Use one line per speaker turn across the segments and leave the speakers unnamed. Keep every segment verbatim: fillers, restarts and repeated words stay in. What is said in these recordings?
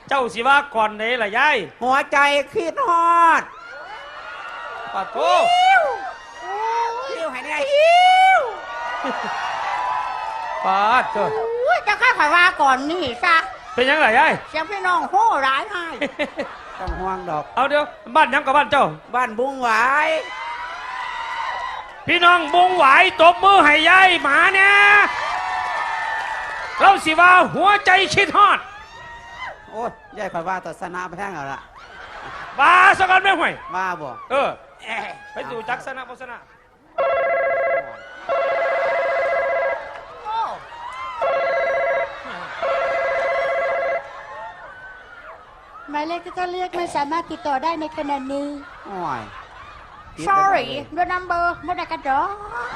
เจ้าสิว่าก่อนไหนล่ะยาย
หัวใจคิดฮอด
ปะโถ
หิวหิวให้เนี่ยหิว
ปาดเถอะ
จะข้าข่อยว่าก่อนนี่ซะ
เป็นยังไงยาย
เสียงพี่น้องโห่ร้ายให้
ต้องห่วงดอก
เอาเดี๋ยวบ้านยังกับบ้านเจ้า
บ้านบุ้งหวาย
พี่น้องบุ้งหวายตบมือให้ยายหมาเนี่ยเราสิว่าหัวใจคิดฮอด
โอ้ยยายข่อยว่าตัดสนาไปแท่งเอาละ
บ้าสักกันไม่ห่วย
บ้าบ่
เออไปดูจักสนะโฆษณา
หมายเลขที่ท่านเรียกไม่สามารถติดต่อได้ในขณะนี้
โอ้ย
sorry the number ไม่ได้กันดอก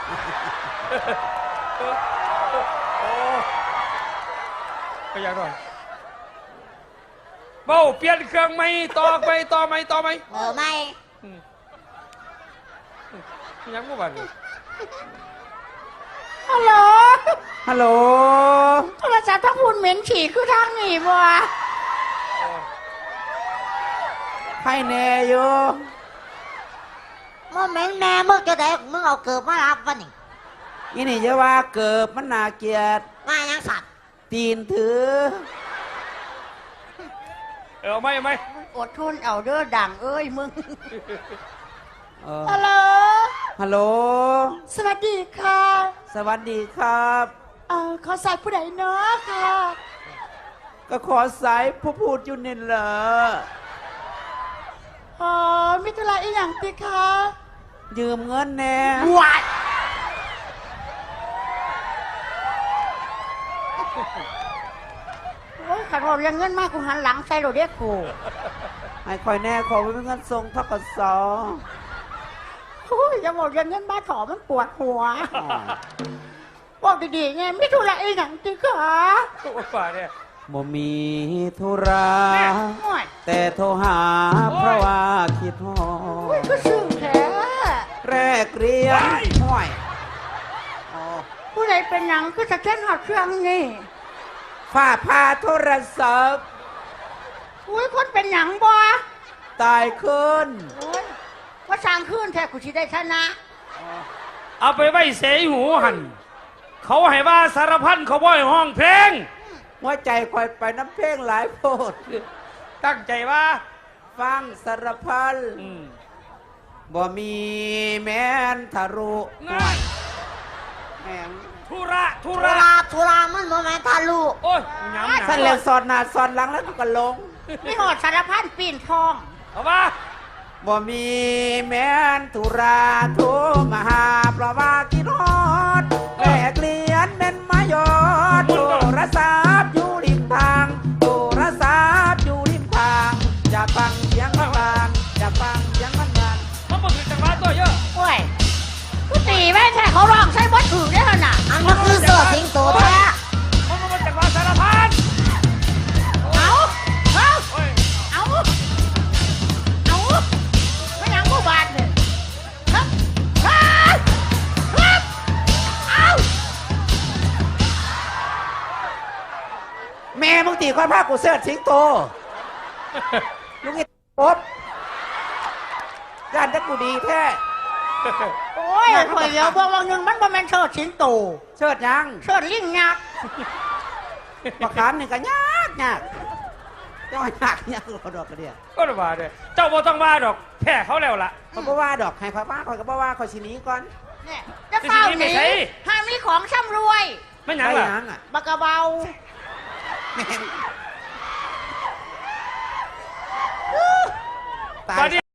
ไปยังก่อนเบ้าเปลี่ยนเครื่องไหมต่อไปต่อไหมต่อไหม
เออไม่
ยังกูบ้าน
ฮัลโหล
ฮัลโหล
โทรศัพท์ทั้งหุ่นเหม็นฉี่คือทางหนีบัว
ให้แน่อยู่
มึงเหม็นแน่มึงจะได้มึงเอาเกิบมารับวะนี่
ยี่นี่จะว่าเกิบมันน่าเกลียด
มายังสัตว์
ตีนถือ
เออไม่ไม่
อดทนเอาเด้อดังเอ้ยมึงฮัลโหล
ฮัลโหล
สวัสดีค่ะ
สวัสดีครับ
เออขอสายผู้ใดเนาะค่ะ
ก็ขอสายผู้พูดอยู่นี่เหรอ
อ๋อมิถุลาอีหยังติคะ
ยืมเงินแน่
วัดโอ้ยขัดเราเรียนเงินมากกูหันหลังใส่โรเดียกู
ให้คอยแน่ขอไว้เป็นเงินทรงทกศ
โอ้ยอย่าบอกเรียนเงินบ้าถอมันปวดหัวบอกดีๆไงมิถุลาอีหยังติคะ
ป่าเนี่ย
บ่มีธุระแต่โทรหาเพราะว่าคิดฮอด
ก็ซึ้งแท้
แรกเรียนห้อย
ผู้ใดเป็นหนังก็จะเช่นหอดเครื่องนี่
ฝ้าพาโทรศัพท์
อุ้ยคนเป็นหนังบ่
ตายขึ้น
ว่าสร้างขึ้นแท้กูชิได้ชนะ
เอาไปไว้เสยหูหันเขาให้ว่าสารพันเขาบ่อยห้องเพลง
หัวใจคอยไปน้ำเพลงหลายโพด
ตั้งใจว่า
ฟังสารพันบ่มีแม่นทารุ
ง่าย
แม่ง
ธุระธุ
ระธุระมันบ่แม่นทารุ
โอ้ยย้ำ
สั่นแล้วสอนหน้าสอนหลังแล้วก็ลง
ไม่หอดสารพันปีนทอง
เอาว่า
บ่มีแม่นธุระโทรมาหาเพราะว่าคิดฮอดแลกเลียนเป็นมายอดโทรศัพท์อยู่ริมทางโทรศัพท์อยู่ริมทางจะฟังเสียงมันบางจะฟังเสียงมันบาง
มันบ่ถึงจังหวะตัวเยอะ
โอ้ยกูตีแม่แท้เขาร้องใช้บทถือได้ขนาดอันนั้นคือเสือสิงโตแท้
มันบ่จังหวะสารพัน
เอาเอาเอาเอาไม่ยังกูบาดเลยครับครับครับเอา
แม่มึงตีความภาคกูเสิร์ชสิงโตลุงไอ้ป๊บการจะกูดีแท้
โอ้ยข่อยเดียวบอกว่าหนึ่งมันบ่แม่นเชิดสิงโต
เชิดยัง
เชิดลิงยักษ์
ประคามนี่ก็ยากยากเจ้าหนักยากกว่าดอกกระเดีย
ก็ว่าด้วยเจ้าบ่ต้องว่าดอกแพ้เขาแล้วล่ะ
เขาก็ว่าดอกให้เขาว่าเขาก็บอกว่าเขาชินี้ก่อน
เนี่ยจะเฝ้าหนีห้ามมีของช่ำรวย
ไม่หยังล่ะ
บักกะเบา
ตาย